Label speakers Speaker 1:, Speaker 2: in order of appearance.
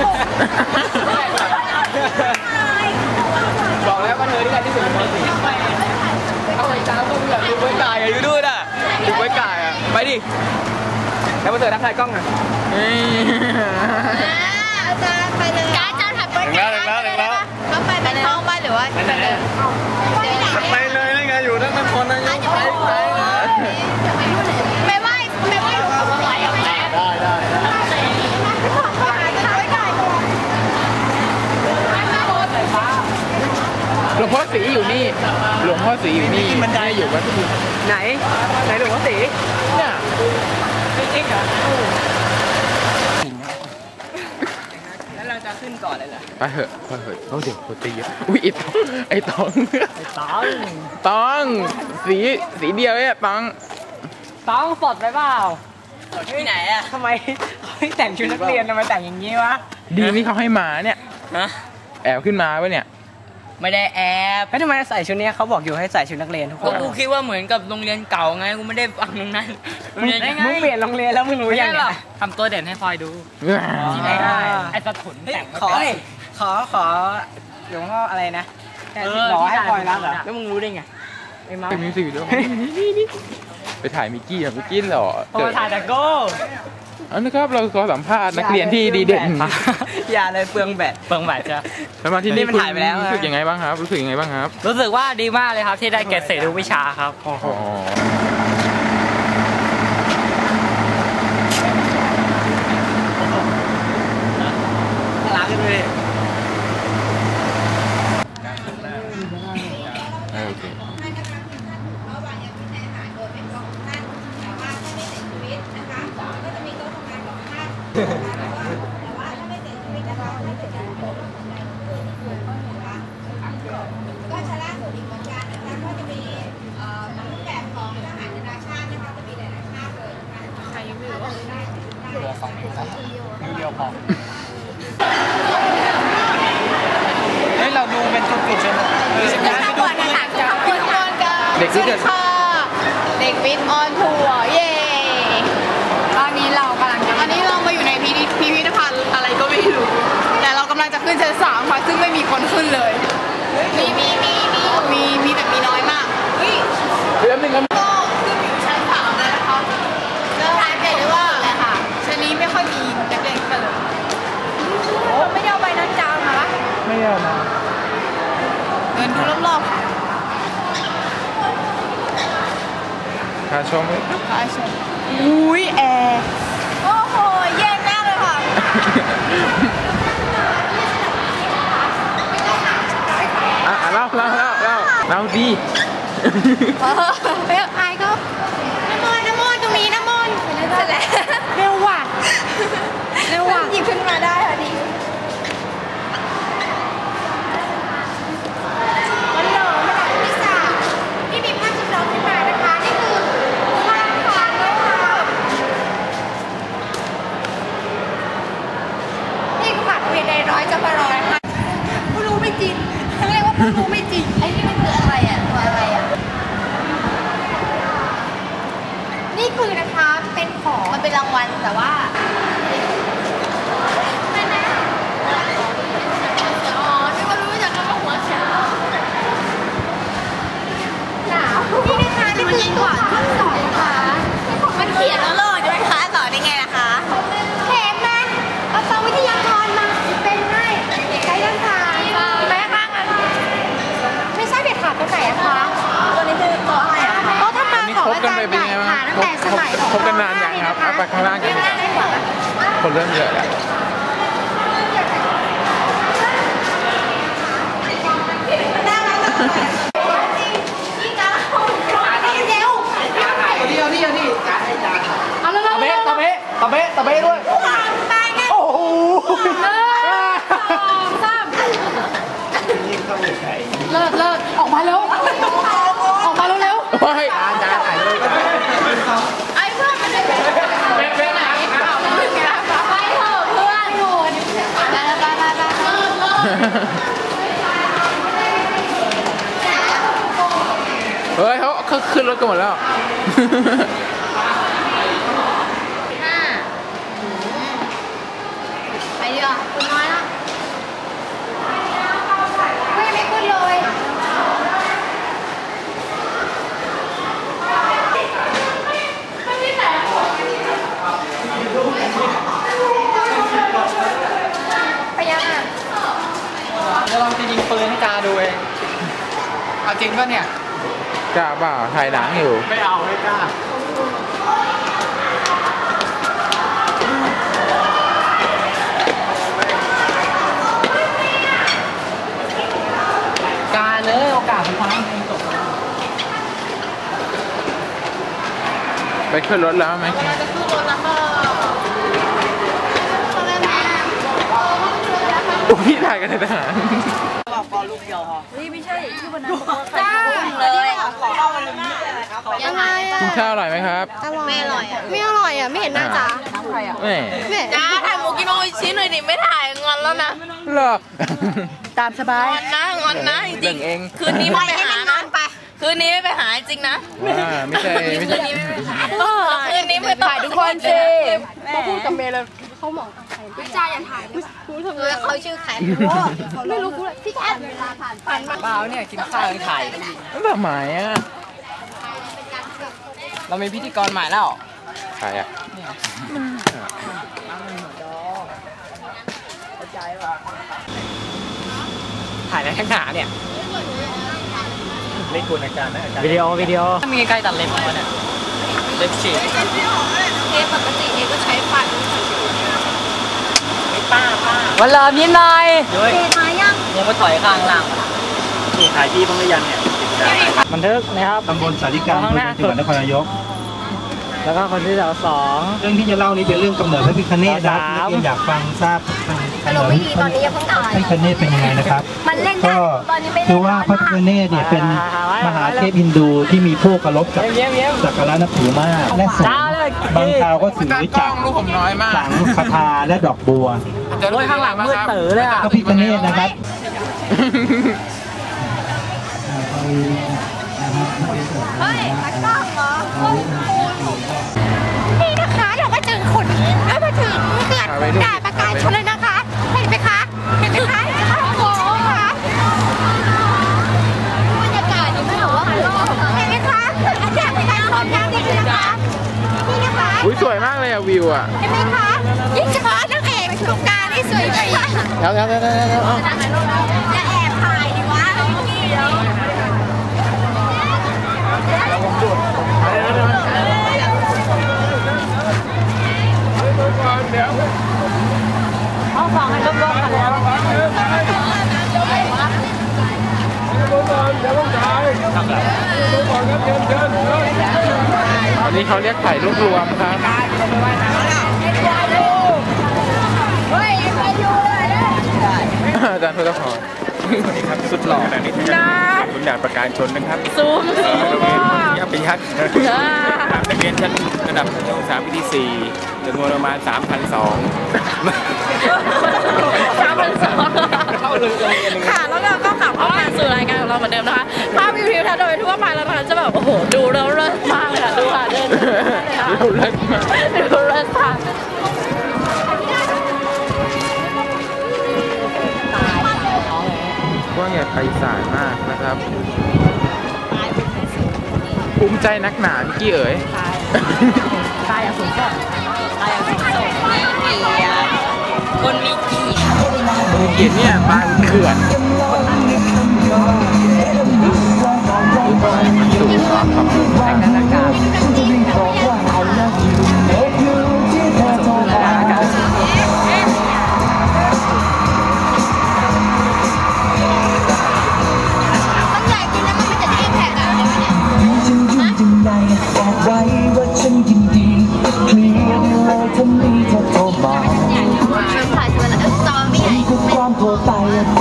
Speaker 1: บอกแล้วว่าเธอที่การที่สุดเป็นสีเอาไอ้จ้าพวกแบบดูไว้กายอยู่ด้วยน่ะดูไว้กายอ่ะไปดิแล้วมาเจอทักทายกล้องหน่อย
Speaker 2: อาจารย์ไปเลยอาจารย์ถัดไปแล้วเขาไปเป็นห้องบ้านหรือว่าไปเลย
Speaker 1: ไปเลยนี่ไงอยู่นั่นคนนั่งไป
Speaker 2: ไม่ไหวหรือเขาไหวเอาแม่ได้
Speaker 1: หลวงพ่อสีอยู่นี่หลวงพ่อสีอยู่นี่มันได้อยู่วัดไหนหลวงพ่อสีเนี่ยจริงเหรอแล้วเราจะขึ้นก่อนเลยเหรอไปเถอะเขาเดี๋ยวเขาตีอุ้ยไอ้ตองสีเดียวเนี่ยตองสดไปเปล่าที่ไหนอะทำไมเขาไม่แต่งชุดนักเรียนทำไมแต่งอย่างนี้วะดีนี่เขาให้มาเนี่ยแอบขึ้นมาวะเนี่ยไม่ได้แอบแล้วทำไมใส่ชุดนี้เขาบอกอยู่ให้ใส่ชุดนักเรียนทุกคนกูคิดว่าเหมือนกับโรงเรียนเก่าไงกูไม่ได้ฟังตรงนั้นมึงเปลี่ยนโรงเรียนแล้วมึงรู้ยังไงทำตัวเด่นให้พลอยดูไม่ได้ไอ้สะถุนแต่งขอหลวงพ่ออะไรนะขอให้พลอยรักเหรอแล้วมึงรู้ได้ไงไอ้มาเป็นมิวสิกวิดีโอไปถ่ายมิกกี้เหรอถ่ายแต่โก้อันนะครับเราขอสัมภาษณ์นักเรียนที่ดีเด่นอย่าเลยเปลืองแบตจ้ะแล้วมาที่นี่มันถ่ายไปแล้วรู้สึกยังไงบ้างครับรู้สึกว่าดีมากเลยครับที่ได้เกรดเศษทุกวิชาครับโอ้โหรักกันเลยโอเคแต่ว่าถ้าไม่เสียชีวิตนะคะไม่เสียชีวิตนะคะก็ชนะสูตรอีกเหมือนกันนะคะก็จะมีรูปแบบของทหารนานาชาตินะคะจะมีหลายๆชาติเลยนะคะใครยังไม่รู้เรือของเดียวพอเฮ้ยเราดูเป็นจุดๆใช่ไหมเด็กที่เกิดเด็กวิทย์ออนทัวร์เย่ตอนนี้เรามาอยู่ในพิพิธภัณฑ์อะไรก็ไม่รู้แต่เรากำลังจะขึ้นชั้น 3ค่ะซึ่งไม่มีคนขึ้นเลยมีแต่มีน้อยมากเฮ้ยก็ขึ้นอยู่ชั้น 3เลยนะคะแล้วสังเกตได้ว่าอะไรค่ะชั้นนี้ไม่ค่อยมีนักเรียนขึ้นเลยไม่ได้เอาใบนั้นจาวมาละไม่ได้มาเดินดูรอบๆค่ะชมอุ้ยแอร์โอ้โหแย่มากเลยค่ะเราดีไปไอ้ก็น้ำมนต์ตรงนี้น้ำมนต์เสร็จแล้วเร็วว่ะหยิบขึ้นมาได้ค่ะดีวันหล่อพี่สาวนี่มีภาพจำลองขึ้นมานะคะนี่คือภาพของเลยค่ะนี่ผัดเวเดร้อยจะมาร้อยค่ะผู้รู้ไม่จริงเรียกว่าผู้รู้ไม่จริงไอ้นี่มันคืออะไรอ่ะตัวอะไรอ่ะนี่คือนะคะเป็นของมันเป็นรางวัลแต่ว่านี่ก็รู้จากคำว่าหัวเช้าหนาวนี่นะคะนี่คือตัวข้อสองค่ะมันเขียนแล้วเลยด้วยคะต่อได้ไงล่ะคะเข็มนะเอาตัววิทยากรมาเป็นให้ใช้ยังไงแม่บ้างอ่ะไม่ใช่เด็ดขาดตัวไหนอะคะตัวนี้คือตัวอะไรอะก็ถ้ามาของอาจารย์ใหญ่ค่ะตั้งแต่สมัยของ คบกันนานยังครับเอาไปข้างล่างกันดีกว่าคนเริ่มเยอะแล้วตะเบ๊ด้วยโอ้โหเลิศออกมาเร็วว้ายจานถ่ายเลยไอ้เพื่อนมันจะไปไหนไปเถอะเพื่อนอยู่เฮ้ยเขาขึ้นรถกันหมดแล้ว
Speaker 2: ไปดีกว่าคุณน้อย
Speaker 1: กาดูเองเอาจริงป่ะเนี่ยกล้าเปล่าถ่ายหนังอยู่ไม่เอาไม่กล้ากาเลยโอกาสสุดท้ายไปขึ้นรถแล้วไหมจะขึ้นรถแล้วค่ะพี่ถ่ายกันในทหารบอกก่อนลูกเดียวพอไม่ใช่ที่วันนั้นจ้าเลยยังไงกินข้าวอร่อยไหมครับไม่อร่อยไม่อร่อยอ่ะไม่เห็นหน้าจ้าใครอ่ะไม่จ้าถ่ายหมูกินโออิชิหน่อยดิไม่ถ่ายงอนแล้วนะหรอตามสบายงอนนะจริงคืนนี้ไม่ไปหานะคืนนี้ไม่ไปหาจริงนะไม่ใช่คืนนี้ไม่ไปหาคืนนี้ไม่ถ่ายทุกคนสิเขาพูดกับเมย์เลยเขามองพี่จ้าอย่าถ่ายเขาชื่อใครไม่รู้กูเลยพี่แคทผ่านเปล่าเนี่ยกินข้าวยังถ่ายทำไมอ่ะเรามีพิธีกรใหม่แล้วใครอ่ะถ่ายในข้างหน้าเนี่ยเล่นคุณอาจารย์นะวิดีโอมีใกล้ตัดเล็บมาเนี่ยเล็บฉีดปกติก็ใช้ฟันป้าวันเริ่มยิ้มหน่อยตีมายังมาถอยข้างล่างนี่ถ่ายที่บ้างหรือยังเนี่ยบันทึกนะครับตำบลสาริกาจังหวัดนครนายกแล้วก็คนที่สองเรื่องที่จะเล่านี้เป็นเรื่องกำเนิดพระพิฆเนศนะที่อยากฟังทราบกำเนิดพระพิฆเนศเป็นยังไงนะครับก็คือว่าพระพิฆเนศเนี่ยเป็นมหาเทพฮินดูที่มีผู้เคารพสักการะนับถือมากและสูงบางคราวก็ถือจักรสังฆทาและดอกบัวข้างหลังมืดตื่นเลยพระพิฆเนศนะครับเฮ้ยมันกล้องเหรอนี่นะคะเรามาถึงขุนแล้วมาถึงเขื่อนด่านประกาศชนเลยนะคะเห็นไหมคะโอ้โหค่ะบรรยากาศนี่ไม่บอกว่าเห็นไหมคะด่านประกาศชนนะนี่คือนะคะนี่นะคะอุ้ยสวยมากเลยอะวิวอะเห็นไหมคะยิ่งเฉพาะนางเอกสงกรานต์นี่สวยจริงแล้วอย่าแอบถ่ายดิวะเอาฟังให้รอบๆกันแล้วอันนี้เขาเรียกถ่ายรูปรวมครับอาจารย์พุทธพรนี่ครับสุดหล่อขณะนี้คุณด่านประกาศชนนะครับซูมยับไปยัดนักเรียนชั้นระดับชั้นศึกษาปีที่4จำนวนประมาณ 3,200 ค่ะแล้วเราก็กลับเข้ามาสู่รายการของเราเหมือนเดิมนะคะภาพวิวทิวทัศน์โดยทั่วไปแล้วนะคะจะแบบโอ้โหดูแล้วเลิศมากเลยค่ะดูค่ะเดินดูเลิศมากดูเลิศค่ะกว้างใหญ่ไพศาลมากนะครับภูมิใจนักหนาพี่กี้เอ๋ยตายอย่างสูงส่งตายอย่างสูงส่งคนมีเกียรติเนี่ยบางเขื่อนสูงครับแต่กันอากาศความโทรไป